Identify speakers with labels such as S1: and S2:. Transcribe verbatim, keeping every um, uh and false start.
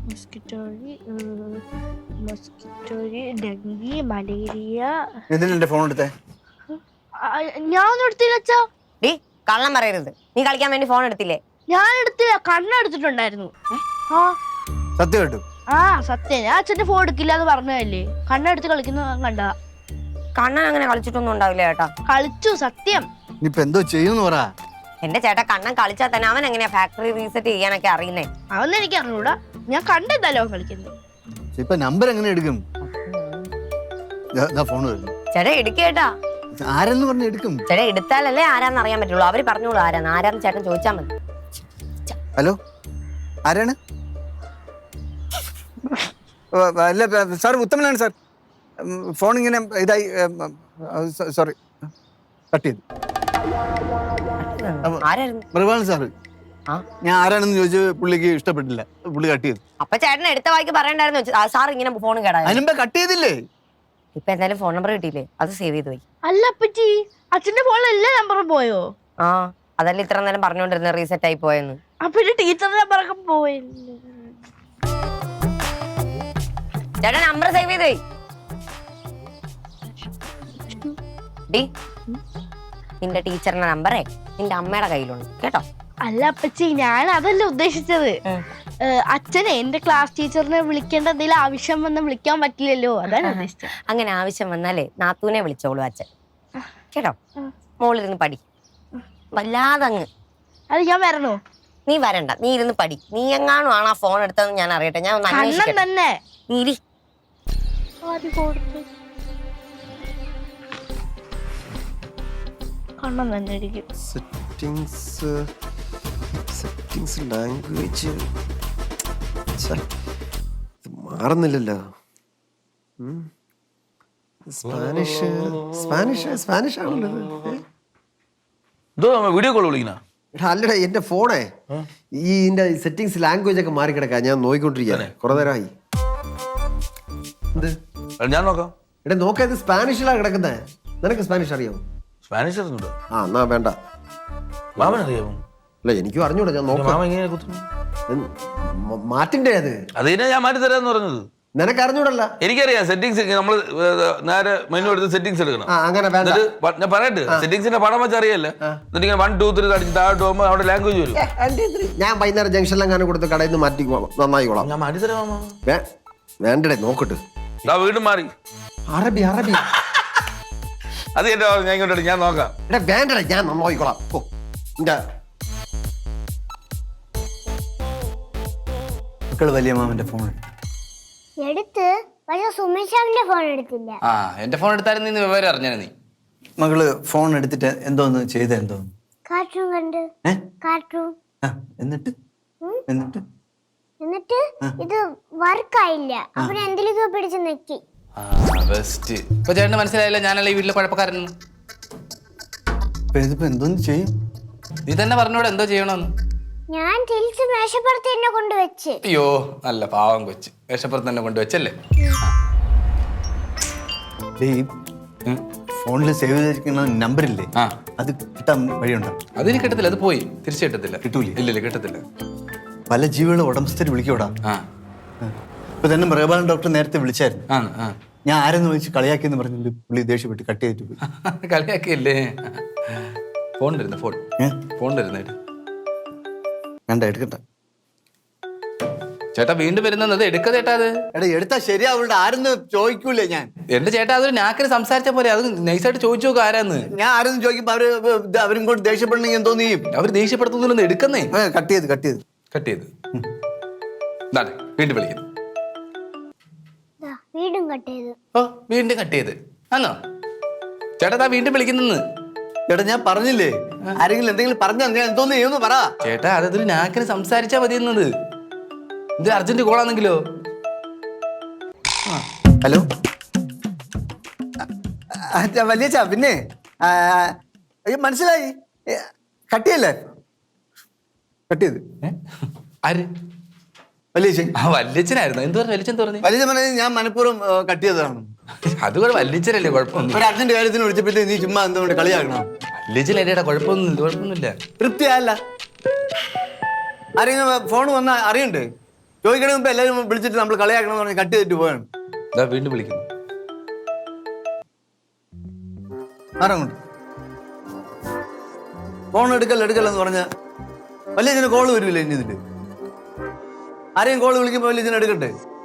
S1: Mosquito mosquito dengue malaria.
S2: എന്തിനാ phone എടുത്തേ?
S1: ഞാൻ ഒന്നും എടുത്തില്ല അച്ഛാ.
S3: ഡീ കള്ളം പറയരുത്. നീ കളിക്കാൻ വേണ്ടി ഫോൺ എടുത്തില്ലേ?
S1: ഞാൻ എടുത്തില്ല, കണ്ണെടുത്തിട്ടുണ്ടായിരുന്നു. ആ
S2: സത്യം കേട്ടു.
S1: ആ സത്യം. ഞാൻ അച്ഛന്റെ ഫോൺ എടുക്കില്ല എന്ന് പറഞ്ഞതല്ലേ. കണ്ണെടുത്ത് കളിക്കുന്ന കണ്ടതാ.
S3: കണ്ണൻ അങ്ങനെ കളിച്ചിട്ടൊന്നും ഉണ്ടാവില്ല ചേട്ടാ.
S1: കളിച്ചു, സത്യം.
S2: ഇനിയിപ്പോ എന്തോ ചെയ്യുന്നു പറ.
S3: എന്റെ ചേട്ടാ കണ്ണൻ കളിച്ചാൽ തന്നെ അവൻ എങ്ങനെയാ ഫാക്ടറി റീസെറ്റ് ചെയ്യാനൊക്കെ അറിയുന്നേ?
S1: അതൊന്നും എനിക്ക് അറിഞ്ഞൂടാ. ഞാൻ കണ്ടെന്തല്ലോ കളിക്കുന്നത്.
S2: ഇപ്പൊ നമ്പർ എങ്ങനെ എടുക്കും? ഫോൺ വരുന്നു.
S3: ചേട്ടാ എടുക്കേട്ടാ.
S2: ആരെന്ന് പറഞ്ഞ എടുക്കും?
S3: ചേട്ടാ എടുത്താലല്ലേ ആരാന്ന് അറിയാൻ പറ്റുള്ളൂ. അവര് പറഞ്ഞോളൂ ആരാന്ന്. ആരാന്ന് ചേട്ടൻ ചോദിച്ചാൽ മതി.
S2: ഹലോ, ആരാണ്? അല്ല സാർ, ഉത്തമനാണ് സാർ. ഫോൺ ഇങ്ങനെ ഇതായി. സോറി, കട്ട് ചെയ്തു. മൃഗാണ് സാറ്. ഞാൻ ആരാണെന്ന് ചോദിച്ചു, പുള്ളിക്ക് ഇഷ്ടപ്പെട്ടില്ല, പുള്ളി കട്ട് ചെയ്തു.
S3: അപ്പൊ ചേട്ടൻ എടുത്ത വായിക്ക് പറയണ്ടായിരുന്നു സാർ ഇങ്ങനെ ഫോൺ കേടാ.
S2: അതിനുമ്പോ കട്ട് ചെയ്തില്ലേ?
S3: ഇപ്പൊ എന്തായാലും ഫോൺ നമ്പർ കിട്ടിയില്ലേ? അത് സേവ് ചെയ്ത് പോയി.
S1: അല്ല അപ്പച്ചി, അച്ഛന്റെ ഫോണിൽ എല്ലാ നമ്പറും പോയോ?
S3: ആ അതല്ല ഇത്ര നേരം പറഞ്ഞോണ്ടിരുന്ന റീസെറ്റ് ആയി പോയെന്ന്.
S1: അപ്പൊ ടീച്ചറിന്റെ നമ്പറൊക്കെ പോയില്ലേ?
S3: ചേട്ടാ നമ്പർ സേവ് ചെയ്ത് പോയി. ഡി നിന്റെ ടീച്ചറിന്റെ നമ്പറേ നിന്റെ അമ്മയുടെ കയ്യിലുണ്ട് കേട്ടോ.
S1: അല്ല അപ്പച്ചി, ഞാൻ അതല്ല ഉദ്ദേശിച്ചത്. അച്ഛനെ എന്റെ ക്ലാസ് ടീച്ചറിനെ വിളിക്കേണ്ട എന്തെങ്കിലും ആവശ്യം വന്ന് വിളിക്കാൻ പറ്റില്ലല്ലോ, അതാണ് ഉദ്ദേശിച്ചത്.
S3: അങ്ങനെ ആവശ്യം വന്നാലേ നാത്തൂനെ വിളിച്ചോളൂ അച്ഛൻ കേട്ടോ. മോളിരുന്ന് പടി, വല്ലാതങ്ങ്.
S1: അത് ഞാൻ വരണോ?
S3: നീ വരണ്ട, നീ ഇരുന്ന് പടി. നീ എങ്ങാനും ആണ് ആ ഫോൺ എടുത്തതെന്ന് ഞാൻ അറിയട്ടെ. ഞാൻ ഒന്ന് അന്വേഷിക്കട്ടെ.
S1: തന്നെ
S3: നീ ഇരി.
S1: കണ്ണം തന്നെ ഇരിക്കും.
S4: സെറ്റിംഗ്സ് സെറ്റിംഗ്സ് ലാംഗ്വേജ് മാറുന്നില്ലല്ലോ. സ്പാനിഷ് സ്പാനിഷ് സ്പാനിഷ് ആണല്ലോ.
S5: വീഡിയോ കോൾ വിളിക്കണ?
S4: അല്ലടാ, എന്റെ ഫോണേ ഈ ഇതിന്റെ സെറ്റിംഗ്സ് ലാംഗ്വേജ് ഒക്കെ മാറി കിടക്കാ. ഞാൻ നോക്കിക്കൊണ്ടിരിക്കാനെ കുറെ നേരമായി. എന്ത്
S5: ഞാൻ നോക്കാം.
S4: എടാ നോക്കാ, ഇത് സ്പാനിഷിലാണ് കിടക്കുന്നേ. നിനക്ക് സ്പാനിഷ് അറിയാമോ?
S5: സ്പാനിഷ് അറിഞ്ഞൂടാ?
S4: ആ എന്നാ വേണ്ട.
S5: മാമൻ അറിയാമോ?
S4: അല്ല എനിക്കും അറിഞ്ഞൂടാ. ഞാൻ നോക്കാം.
S5: മാമ ഇങ്ങനെ കുത്തുന്നു.
S4: മാറ്റിന്റെ അത്
S5: അത് തന്നെ ഞാൻ മാറ്റി തരാന്ന് പറഞ്ഞത്.
S4: നിനക്ക് അറിഞ്ഞൂടല്ല?
S5: എനിക്കറിയാം. സെറ്റിംഗ്സ് നമ്മൾ നേരെ മെനു എടുത്ത് സെറ്റിംഗ്സ് എടുക്കണം.
S4: അങ്ങനെ വേണ്ട.
S5: ഞാൻ പറയട്ടെ, സെറ്റിംഗ്സിന്റെ പടം വെച്ച് അറിയല്ലേ. എന്നിട്ട് ഇങ്ങനെ വൺ ടു ത്രീ അടിച്ച് താഴോട്ട് പോകുമ്പോ അവിടെ ലാംഗ്വേജ് വരും.
S4: ഞാൻ വൈകുന്നേരം ജംഗ്ഷനിലെങ്ങാനും കൊടുത്ത് കടയിൽ നിന്ന് മാറ്റിക്കോളാം, നന്നായിക്കോളാം.
S5: ഞാൻ മാറ്റി തരാം.
S4: വേണ്ടടേ, നോക്കട്ടെ.
S5: വീണ്ടും മാറി.
S4: അറബി അറബി
S5: അത് എന്റെ ഞാൻ ഇങ്ങോട്ട് ഞാൻ നോക്കാം.
S4: എടാ വേണ്ടടേ, ഞാൻ നന്നായിക്കോളാം. ഓ
S2: മക്കള് വലിയ മാമന്റെ ഫോൺ
S6: എടുത്ത്, പക്ഷെ സുമേഷാവിന്റെ ഫോൺ എടുത്തില്ല.
S7: ആ എന്റെ ഫോൺ എടുത്തായിരുന്നു നീ വിവരം അറിഞ്ഞാ. നീ
S2: മകള് ഫോൺ എടുത്തിട്ട് എന്തോന്ന് ചെയ്ത? എന്തോന്ന്?
S6: കാർട്ടൂൺ കണ്ട്. കാർട്ടൂൺ
S2: എന്നിട്ട് എന്നിട്ട്
S6: എന്നിട്ട് ഇത് വർക്കായില്ല. അപ്പൊ എന്തിലൊക്കെ പിടിച്ച് നെക്കി.
S7: ബെസ്റ്റ്. ഇപ്പൊ ചേട്ടന് മനസ്സിലായില്ല ഞാനല്ല ഈ വീട്ടിലെ കുഴപ്പക്കാരൻ.
S2: ഇതിപ്പോ എന്തോന്ന് ചെയ്യും?
S7: നീ തന്നെ പറഞ്ഞോടെ എന്തോ ചെയ്യണമെന്ന്.
S6: ഞാൻ തിരിച്ച് മേശപ്പുറത്ത് എന്നെ കൊണ്ടുവച്ച്.
S7: അയ്യോ നല്ല പാവം കൊച്ച്. മേശപ്പുറത്ത് തന്നെ കൊണ്ടുവച്ചല്ലേ.
S2: ഫോണിൽ സേവ് ചെയ്തിരിക്കുന്ന നമ്പറില്ലേ, അത് കിട്ടാൻ വഴിയുണ്ടോ?
S7: അതിന് കിട്ടത്തില്ല. അത് പോയി തിരിച്ചു കിട്ടത്തില്ല.
S2: കിട്ടൂലേ?
S7: ഇല്ലല്ലേ, കിട്ടത്തില്ല.
S2: പല ജീവികളുടെ ഉടമസ്ഥര് വിളിക്കൂടാ. ഇപ്പൊ തന്നെ മൃഗപാലൻ ഡോക്ടർ നേരത്തെ വിളിച്ചായിരുന്നു. ഞാൻ ആരെന്ന് വിളിച്ച് കളിയാക്കിയെന്ന് പറഞ്ഞിട്ട് പുള്ളി ദേഷ്യപ്പെട്ട് കട്ട് ചെയ്തിട്ട് പോയി.
S7: കളിയാക്കിയല്ലേ? ഫോൺ വരുന്ന ഫോൺ ഫോൺ വരുന്നേട്ട്
S2: വേണ്ട, എടുക്കട്ടെ.
S7: ചേട്ടാ വീണ്ടും വരുന്നത് എടുക്ക ചേട്ടാ. അത്
S2: എടാ എടുത്താ ശരിയാവുള്ള. ആരെന്ന് ചോദിക്കൂലേ ഞാൻ?
S7: എന്റെ ചേട്ടാ അതൊരു നാക്കിന് സംസാരിച്ച പോലെ. അത് നൈസായിട്ട് ചോദിച്ചു നോക്കുക ആരാന്ന്.
S2: ഞാൻ ആരെന്ന് ചോദിക്കുമ്പോ അവര് അവരും കൊണ്ട് ദേഷ്യപ്പെടണമെങ്കിൽ എന്തോ നീ
S7: അവർ ദേഷ്യപ്പെടുത്തുന്നില്ലെന്ന് എടുക്കുന്നേ.
S2: കട്ട് ചെയ്ത് കട്ട് ചെയ്ത്
S7: കട്ട് ചെയ്ത് വീണ്ടും വിളിക്കുന്നു.
S6: വീണ്ടും കട്ട് ചെയ്ത്.
S7: ഓ വീണ്ടും കട്ട് ചെയ്ത് ആന്നോ? ചേട്ടാ വീണ്ടും വിളിക്കുന്നെന്ന്.
S2: ചേട്ടാ ഞാൻ പറഞ്ഞില്ലേ, ആരെങ്കിലും എന്തെങ്കിലും പറഞ്ഞാൽ ഞാൻ എന്തോന്ന് ചെയ്യുമെന്ന് പറ.
S7: ചേട്ടാ അതൊരു നാക്കിന് സംസാരിച്ചാ മതി എന്നത്. ഇത് അർജന്റ് കോളാണെങ്കിലോ?
S2: ഹലോ വലിയ ചാ, പിന്നെ മനസ്സിലായി. കട്ടിയല്ലേ? കട്ട് ചെയ്ത്.
S7: ആര്?
S2: വലിയ
S7: ആ വല്യച്ഛനായിരുന്നു. എന്ത് പറഞ്ഞു വല്യച്ഛൻ? പറഞ്ഞു
S2: വലിയ പറഞ്ഞത് ഞാൻ മനഃപൂർവ്വം കട്ട് ചെയ്തതാണ്.
S7: അത് കൂടെ വല്യച്ഛനല്ലേ, കുഴപ്പമൊന്നും.
S2: ഒരു അർജന്റ് കാര്യത്തിന് വിളിച്ചപ്പോഴത്തേ നീ ചുമ്മാ എന്തുകൊണ്ട് കളിയാക്കണം?
S7: വല്യച്ഛൻ എന്റെ കുഴപ്പമൊന്നുമില്ല, കുഴപ്പമൊന്നുമില്ല.
S2: തൃപ്തിയല്ല. ആരെങ്കിലും ഫോൺ വന്നാ അറിയണ്ടേ? ചോദിക്കണ മുമ്പ് എല്ലാവരും വിളിച്ചിട്ട് നമ്മൾ കളിയാക്കണമെന്ന് പറഞ്ഞ് കട്ട് ചെയ്തിട്ട് പോവാണ്.
S5: ഇതാ വീണ്ടും വിളിക്കുന്നു.
S2: ആരങ്ങോട്ട് ഫോൺ എടുക്കല്ല എടുക്കല്ലെന്ന് പറഞ്ഞ വലിയ ഇതിന് കോള് വരില്ല ഇനി ഇതില്. ആരെയും കോള് വിളിക്കുമ്പോ വലിയ ഇതിന് എടുക്കട്ടെ.